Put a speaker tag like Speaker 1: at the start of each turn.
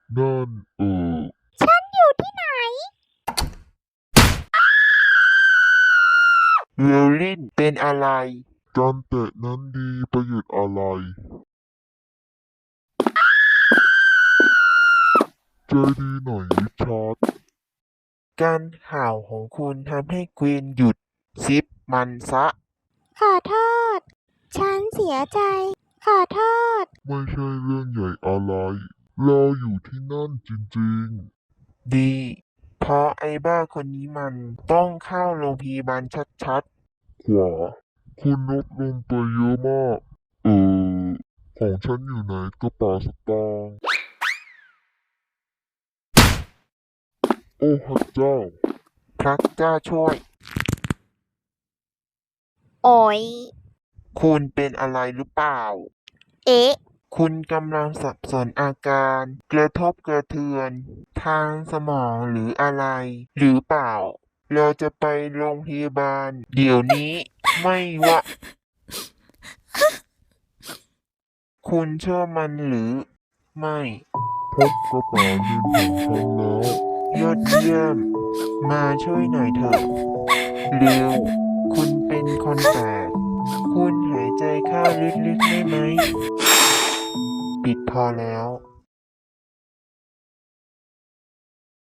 Speaker 1: นั่น
Speaker 2: ฉันอยู่ที่ไหน
Speaker 3: เวลลินเป็นอะไร
Speaker 1: การแตะนั้นดีประโยชน์อะไรใจดีหน่อยริชาร์ด
Speaker 3: การห่าวของคุณทำให้ควีนหยุดซิปมันซะ
Speaker 2: ขอโทษ ฉันเสียใจ ขอโทษ
Speaker 1: ไม่ใช่เรื่องใหญ่อะไรเราอยู่ที่นั่นจริง
Speaker 3: ดี เพราะไอ้บ้าคนนี้มันต้องเข้าโรงพยาบาลชัด
Speaker 1: ๆขวาคุณลดลงไปเยอะมากของฉันอยู่ไหนกระเป๋าสตางค์โอ้พระเจ้า
Speaker 3: ๆ พระเจ้าช่วย
Speaker 2: โอ๋ย
Speaker 3: คุณเป็นอะไรหรือเปล่า
Speaker 2: เอ๊ะ
Speaker 3: คุณกำลังสับสนอาการกระทบกระเทือนทางสมองหรืออะไร หรือเปล่า เราจะไปโรงพยาบาลเดี๋ยวนี้ไม่ว่า คุณเชื่อมันหรือไม่
Speaker 1: พบกระเป๋าเงินของฉันแล้ว
Speaker 3: ยอดเยี่ยม มาช่วยหน่อยเถอะเร็ว คุณเป็นคนแปลกคุณหายใจเข้าลึกๆได้ไหม ปิดพอแล้ว